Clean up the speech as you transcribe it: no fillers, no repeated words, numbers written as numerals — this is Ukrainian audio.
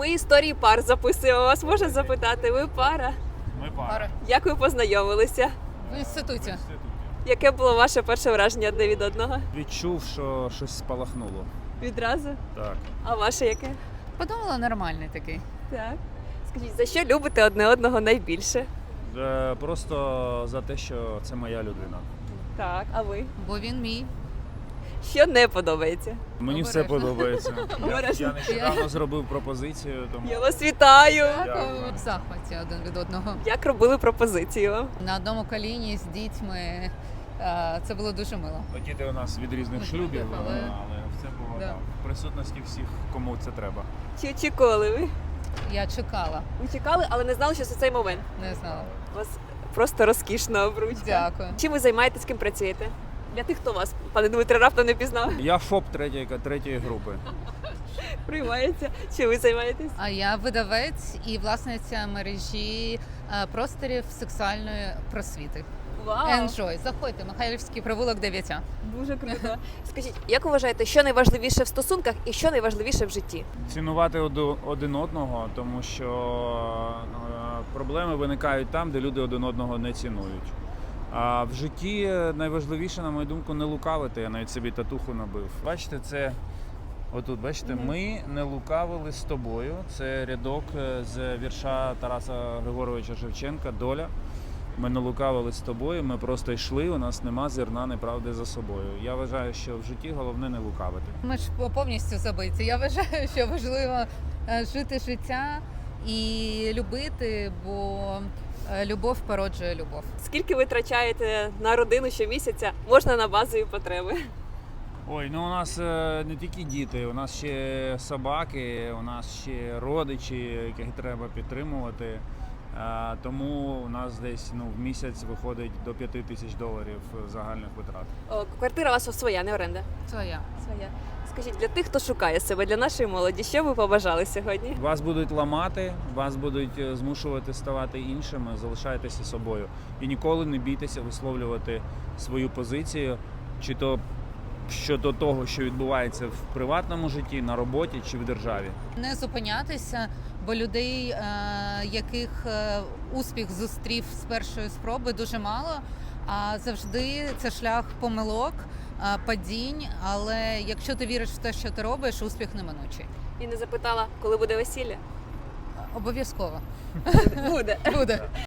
Ми історії пар записуємо. Вас можна запитати? Ви пара? Ми пара. Як ви познайомилися? В інституті. Яке було ваше перше враження одне від одного? Відчув, що щось спалахнуло. Відразу? Так. А ваше яке? Подумала, нормальний такий. Так. Скажіть, за що любите одне одного найбільше? Просто за те, що це моя людина. Так, а ви? Бо він мій. Що не подобається? Мені все Обережно. подобається. Обережно. Я нещодавно зробив пропозицію, тому Я вас вітаю! Дякую. В захваті один від одного. Як робили пропозицію вам? На одному коліні з дітьми. Це було дуже мило. діти у нас від різних шлюбів, Але- але все було Да. в присутності всіх, кому це треба. Чи очікували ви? Я чекала, Ви чекали, але не знали, що це цей момент. не знала. У вас просто розкішна обручка. Дякую. Чим ви займаєтесь, з ким працюєте? Для тих, хто вас, пане Дмитре, раптом не пізнав. Я ФОП третьої групи. Приймається. Чим ви займаєтесь? А я видавець і власниця мережі просторів сексуальної просвіти. Вау! Enjoy. Заходьте, Михайлівський провулок 9. Дуже круто. Скажіть, як ви вважаєте, що найважливіше в стосунках і що найважливіше в житті? Цінувати один одного, тому що проблеми виникають там, де люди один одного не цінують. А в житті найважливіше, на мою думку, не лукавити. Я навіть собі татуху набив. Бачите, це отут, бачите, ми не лукавили з тобою. Це рядок з вірша Тараса Григоровича Шевченка «Доля». Ми не лукавили з тобою, ми просто йшли, у нас нема зерна неправди за собою. Я вважаю, що в житті головне не лукавити. Ми ж повністю забиті. Я вважаю, що важливо жити життя і любити, бо любов породжує любов. Скільки ви витрачаєте на родину щомісяця? Можна на базові потреби. Ой, ну у нас не тільки діти, у нас ще собаки, у нас ще родичі, яких треба підтримувати. Тому у нас десь в місяць виходить до $5000 загальних витрат. О, квартира у вас своя, не оренда? Своя. Своя. Скажіть, для тих, хто шукає себе, для нашої молоді, що ви побажали сьогодні? Вас будуть ламати, вас будуть змушувати ставати іншими, залишайтеся собою. І ніколи не бійтеся висловлювати свою позицію, чи то щодо того, що відбувається в приватному житті, на роботі чи в державі. Не зупинятися, бо людей, яких успіх зустрів з першої спроби, дуже мало. А завжди це шлях помилок, падінь. Але якщо ти віриш в те, що ти робиш, успіх неминучий. І не запитала, коли буде весілля? Обов'язково Буде. буде.